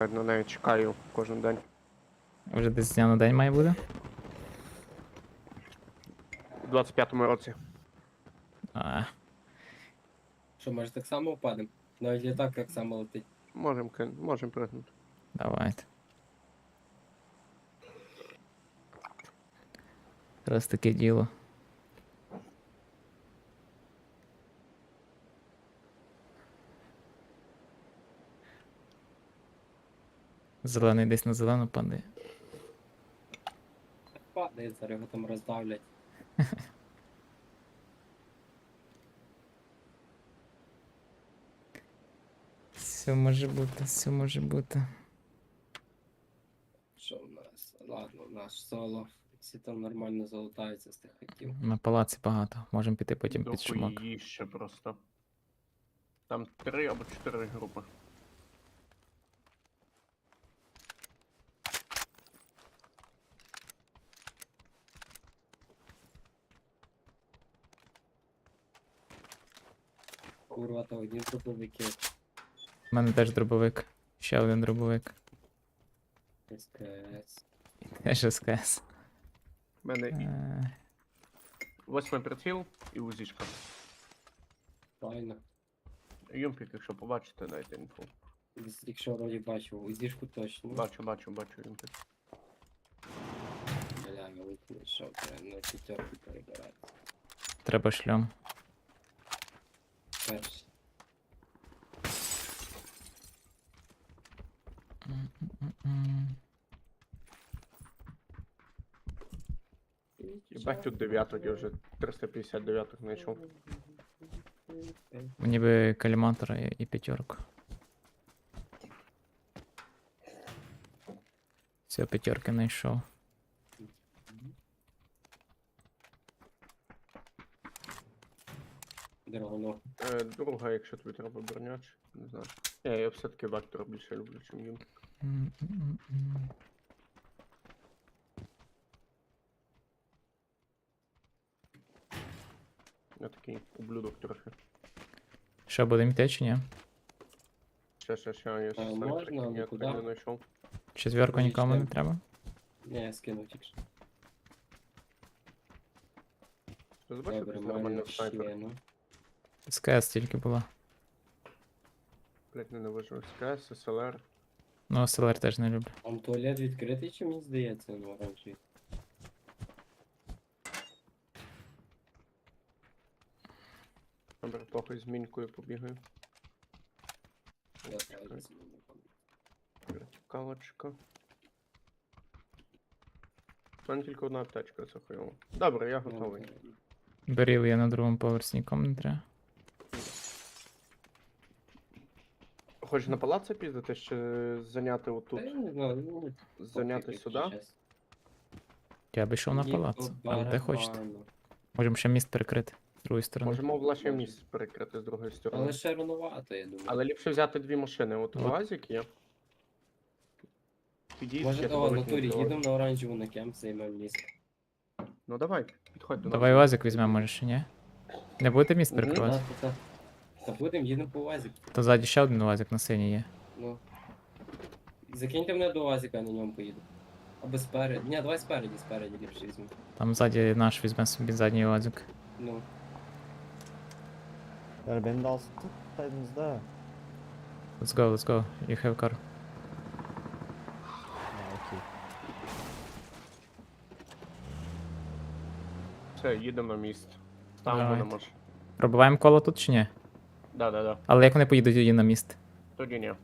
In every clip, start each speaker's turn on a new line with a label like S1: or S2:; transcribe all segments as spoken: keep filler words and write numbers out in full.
S1: так на неї чекаю кожен день.
S2: Вже десь з дня на день має бути?
S1: У двадцять п'ятому році.
S2: А,
S3: Що, може так само впадемо? Навіть літак так само летить.
S1: Можемо кин... можем пригнути.
S2: давайте. Раз таке діло. Зелений десь на зелену падає.
S3: Падає, зараз його там роздавлять.
S2: Все може бути, все може бути.
S3: Що в нас? Ладно, наш соло. Всі там нормально залутаються з тих хатів.
S2: На палаці багато. Можемо піти потім під шумок.
S1: Дохуї ще просто. Там три або чотири групи.
S3: Курва, то одні дробовики.
S2: У мене теж дробовик. Ще один дробовик.
S3: СКС.
S2: Теж СКС.
S1: У мене
S2: Е,
S1: восьмий приціл і узічка.
S3: Правильно.
S1: Юмпік, якщо побачите, дайте інфу.
S3: Якщо вроді бачив, узішку точно.
S1: Бачу, бачу, бачу юмпік.
S3: Бля, великий що, треба на п'ятерку перебирати.
S2: Треба шльом.
S3: Перший.
S2: М-м-м.
S1: Єбать тут дев'яток, я вже триста п'ятдесят дев'яток знайшов.
S2: Мені би каліматора і, і п'ятерку. Все, п'ятерки знайшов.
S3: Драгоно.
S1: Е, друга, якщо тобі треба броняч, не знаю. Ні, я все-таки вектор більше люблю, чим юмпік.
S2: М-м-м-м.
S1: Я такий ублюдок трохи.
S2: Що, будемо йти чи ні?
S1: Ще, ще, ще, я
S3: А,
S1: ще
S3: можна, але
S1: я
S3: куди?
S1: так не знайшов.
S2: Четверку нікому не
S3: Логічно.
S2: треба?
S3: Не, я скинув тільки що.
S1: Ти бачив,
S3: Добре,
S1: якийсь нормальний
S3: маємо
S1: снайпер?
S3: ще, ну.
S2: СКС тільки була.
S1: Блять, ненавижу СКС, СЛР.
S2: Ну, СЛР теж не люблю.
S3: Там туалет відкритий, чи мені здається, ну, оранжевий.
S1: Добре, похуй з мінькою побігаю.
S3: Я
S1: Чекай.
S3: так
S1: Вертикалочка. У мене тільки одна аптечка, це хуйово. Добре, я готовий.
S2: Беріл я на другому поверсі, нікому не треба.
S1: Хочеш на палац піздати, чи зайняти
S3: Та
S1: отут?
S3: я не знаю, ну,
S1: Зайняти
S3: пофіг,
S1: сюди?
S3: якщо чесно.
S2: Я би йшов на
S3: Мені
S2: палац,
S3: по
S2: але де хочете.
S3: барабану.
S2: Можемо ще міст перекрити з другої сторони.
S1: Можемо в лаше
S3: Може.
S1: місце перекрити з другої сторони.
S3: Але ще рановато, я думаю.
S1: Але ліпше взяти дві машини. От
S2: От.
S1: УАЗик є. Підійдіть,
S3: Може,
S1: я
S3: о,
S1: тебе
S3: на турі
S1: викину.
S3: їдемо на оранжеву на кемп, займемо місце.
S1: Ну давай, підходь до нас.
S2: Давай УАЗик візьмемо, може ще ні? Не будете міст
S1: Мгм.
S2: перекривати?
S3: Та, та, та. Та будемо, їдемо по УАЗику.
S2: То ззаді ще один УАЗик на синій є.
S3: Ну. Закиньте мене до УАЗика, я на ньому поїду. Або спереді. Ні, давай спереді, спереді ліпше візьму.
S2: Там ззаді наш візьме собі задній УАЗик.
S3: Ну.
S4: Yani beni de alsın tutsaydınız da.
S2: Let's go, let's go. You have car.
S4: Ha, okey.
S1: Все, їдемо на міст. Ставимо на
S2: Давайте.
S1: машину.
S2: Пробиваємо коло тут чи ні?
S1: Да, да, да.
S2: Але як вони поїдуть тоді на міст?
S1: Тоді ні.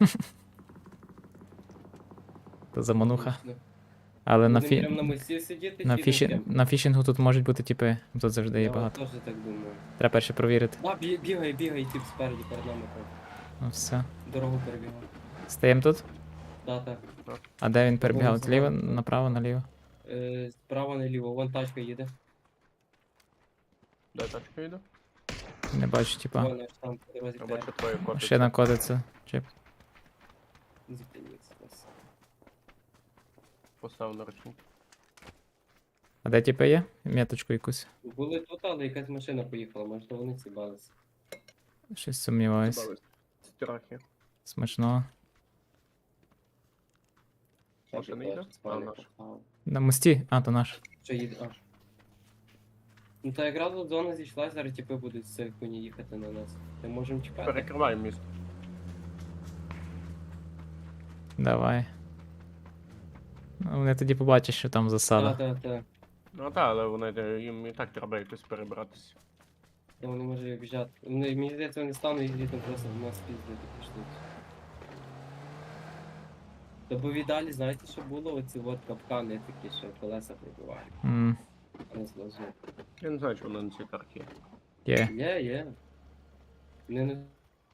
S2: То замануха.
S3: Ну,
S2: Але на,
S3: будемо прямо на
S2: фі...
S3: мості сидіти,
S2: на,
S3: чи
S2: фіші...
S3: йдемо
S2: на фішингу тут можуть бути типи. Тут завжди є
S3: Я
S2: багато.
S3: теж так думаю.
S2: Треба перше провірити.
S3: А, бі- бігай, бігай, тип спереді перед нами. так.
S2: Ну все.
S3: Дорогу перебігав.
S2: Стаємо тут.
S3: Так, так.
S2: А де він перебігав?
S3: Дорогу
S2: Зліва,
S3: зелену.
S2: направо, наліво.
S3: Е, справа наліво, вон тачка їде.
S1: Де тачка їде?
S2: Не бачу, типа.
S3: Вон аж там по дорозі
S1: Я
S3: перед.
S1: бачу твоє котице.
S2: Машина котиться. Чип.
S3: Зупиніться. ось.
S1: Постав на ручник.
S2: А де типи є? Меточку якусь.
S3: Були тут, але якась машина поїхала, може то вони цібалися.
S2: Щось сумніваюсь.
S1: Добавись. Страхи.
S2: Смачного.
S1: машина йде? А,
S3: спальник
S1: наша.
S3: поставив.
S2: На мості? А, то наш.
S3: Що їде? А. Ну та якраз от зона зійшла, зараз типи будуть з цієї хуйні їхати на нас. Ми можемо чекати.
S1: Перекриваємо міст.
S2: Давай. Ну, вони тоді побачать, що там
S3: Та,
S2: засада.
S3: та, та.
S1: Ну так, але вони е, їм і так треба якось перебратися.
S3: Та вони може обіжати. Вони, мені здається, вони стануть і там просто в нас піздити почнуть. Та бо в ідеалі, знаєте, що було? Оці от капкани такі, що колеса прибивають.
S2: М,
S3: А не злазу.
S1: Я не знаю, чи вони на цій карті є.
S2: Є.
S3: Є, є. Не, не...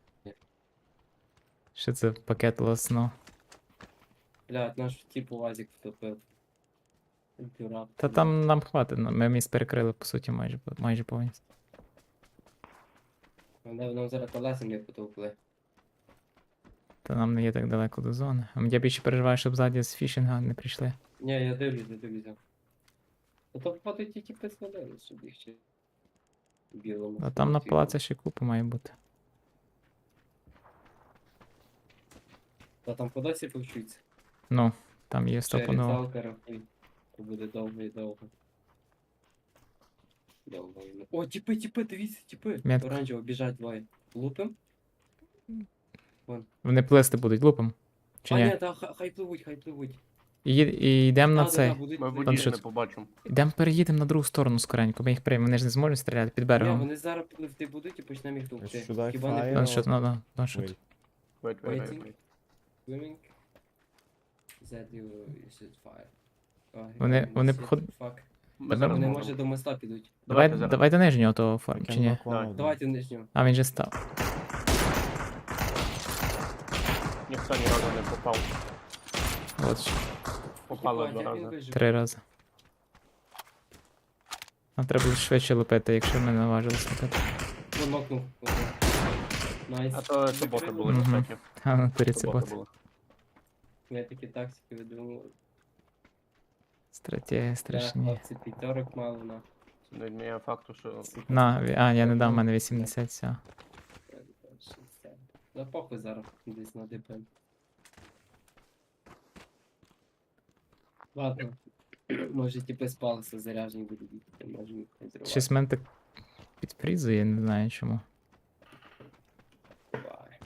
S2: Що це пакет лосно.
S3: Блядь, наш типу УАЗик втопив. Дурак.
S2: Та там нам хватить, ну, ми міст перекрили, по суті, майже, майже повністю.
S3: Вони нам зараз колеса не потовкли.
S2: Та нам не є так далеко до зони. А я більше переживаю, щоб ззаді з фішинга не прийшли.
S3: Ні, я дивлюсь, я дивлюся. А то походу ті типи звалили, щоб їх ще в білому.
S2: А там на
S3: фронті.
S2: палаці ще купа має бути.
S3: Та там по досі повчуться.
S2: Ну, там є
S3: Ще
S2: стопаново.
S3: різалка рахуй. То буде довго і довго. Довго і... О, тіпи, тіпи, дивіться, тіпи.
S2: Метка.
S3: Оранжево, біжать двоє. Лупим?
S2: Вони плисти будуть лупом. Чи
S3: а,
S2: ні?
S3: ні, та хай, хай пливуть, хай пливуть.
S2: І, і йдемо на
S3: Та, та,
S2: цей.
S3: та, будуть
S1: Ми в
S3: пливти.
S1: воді
S2: що
S1: не
S2: це?
S1: побачимо.
S2: Йдемо переїдемо на другу сторону скоренько, ми їх приймемо, вони ж не зможуть стріляти під
S3: Ні,
S2: берегом.
S3: вони зараз пливти будуть і почнемо їх товкти.
S4: Should I
S3: Хіба не
S4: fire?
S2: Ну,
S3: пливуть?
S2: що, ну, ну, ну, що.
S4: Wait.
S1: Wait, wait, wait,
S3: Waiting.
S1: wait.
S3: Swimming. That you, you should fire. Oh,
S2: Вони-
S3: shit,
S2: вони
S3: shit,
S2: поход-
S3: fuck.
S1: Ми
S2: Давай-
S1: зараз
S3: Вони
S1: можемо.
S3: може до моста підуть.
S2: Давай,
S1: Давайте зараз.
S2: давай до нижнього того
S4: I
S2: форм,
S4: can
S2: чи ні?
S4: knock one
S1: Давай.
S4: of them.
S3: Давайте нижнього.
S2: А, він же став.
S1: Ніхто ні разу не попав.
S2: От що,
S1: Попали
S3: Єбать,
S1: два
S3: як він
S1: рази.
S3: вижив?
S2: три рази. Нам треба буде швидше лупити, якщо ми не наважилися лупити.
S3: Вон нокнув. Найс.
S1: А то це боти були,
S2: Мгм.
S1: кстати.
S2: А, на турі
S1: Це
S2: це
S1: боти
S2: бот.
S1: були.
S3: Я такі тактики видумав.
S2: Стратегія
S3: Я
S2: страшні.
S3: хлопці п'ятерок мало на.
S1: Це не відміняє факту, що
S2: На, ві- а, я не дав, в мене вісімдесят, все.
S3: Да похуй зараз десь на ДП. Ладно. Може типи спалися, заряжені будуть їхати, може їх не зривати.
S2: Щось мене так підфрізує, не знаю чому.
S3: Бай.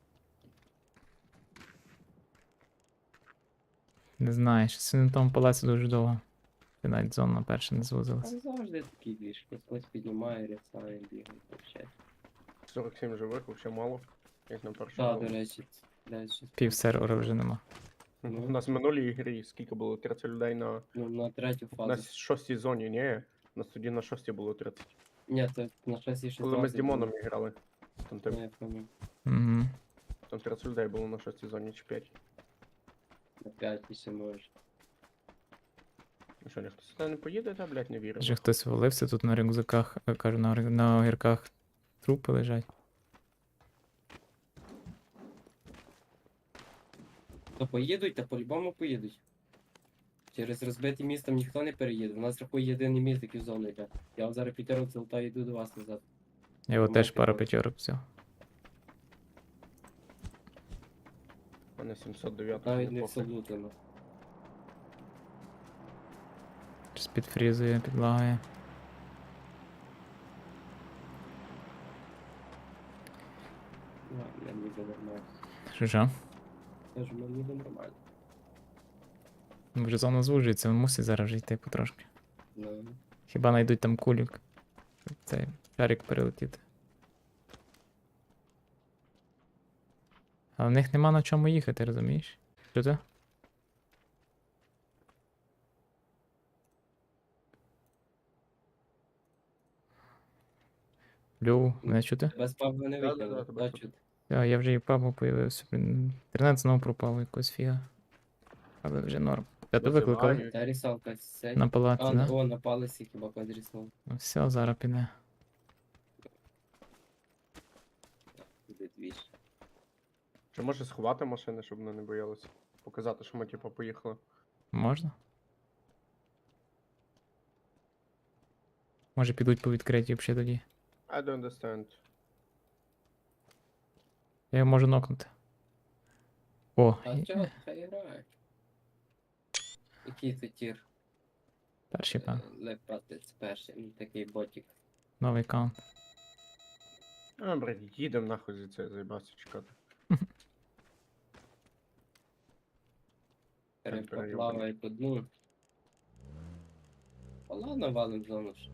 S2: Не знаю, щось на тому палаці дуже довго. І навіть зона перша не звузилась.
S3: Там завжди такий двіж, хтось піднімає, рясає, бігає, вообще.
S1: сорок сім живих, взагалі мало. Як на першому.
S3: Так,
S1: було.
S3: до речі, блядь, щось.
S2: Пів сервера вже нема.
S1: У нас в минулій грі скільки було? тридцять людей на,
S3: Ну, на третю
S1: на
S3: фазу.
S1: шостій зоні, ні. У нас тоді на шостій було тридцять.
S3: Ні, це на щось ще
S1: Коли ми з Дімоном грали. Там, ти-
S3: Не, я пам'ятаю.
S2: Угу.
S1: там тридцять людей було на шостій зоні чи п'ять.
S3: На п'ять ще може.
S1: Ну що, ніхто сюди не поїде, та, блядь, не вірю.
S2: Вже хтось валився тут на рюкзаках, е, кажу, на, рю- на огірках трупи лежать.
S3: То поїдуть, та по-любому поїдуть. Через розбиті містом ніхто не переїде. У нас рахує єдиний міст, який в зону йде. Я вам зараз п'ятерок залутаю і йду до вас назад.
S2: Я його
S3: Ну,
S2: теж
S3: мати
S2: пару
S3: бачу.
S2: п'ятерок взяв.
S1: У мене сімсот дев'ять.
S3: Навіть не всолутано.
S2: Щось підфрізує, підлагає.
S3: Ну, мені буде нормально.
S2: Що що?
S3: Кажу, мені буде нормально.
S2: Ну, вже зона звужується, мусить зараз вже йти потрошки.
S3: Ну,
S2: Хіба знайдуть там кулік. Щоб цей шарик перелетіти. Але в них нема на чому їхати, розумієш? Що це? Льов, мене чути?
S3: без паба не
S1: Да-да-да,
S3: витягнув.
S1: тебе
S3: Да,
S1: чути.
S3: чути.
S2: Я, я вже і папу появився. Блін. Інтернет знову пропав якось фіга. Але вже норм. Я тебе викликали?
S1: Визиваю.
S3: Та рісалка сядь.
S2: На палаці,
S3: А,
S2: да?
S3: о, на палиці хіба подріснув.
S2: Ну все, зараз піде.
S3: Буде двіж.
S1: Чи може сховати машини, щоб вони не боялися? Показати, що ми типу поїхали.
S2: Можна? Може підуть по відкритій взагалі тоді.
S1: I don't understand.
S2: Я його можу нокнути. О,
S3: А
S2: і-
S3: чого, хай грає. Який це тір?
S2: Перший пан.
S3: Лепатець перший, ну, такий ботик.
S2: Новий каунт.
S1: А, блядь, їдем нахуй за це, заїбався чекати.
S3: Перепоплаває по дну. А ладно, валим зону ж.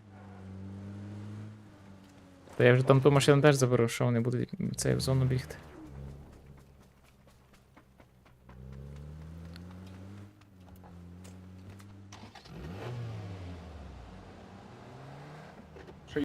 S2: Та я вже там ту машину теж заберу, що вони будуть цей в зону бігти.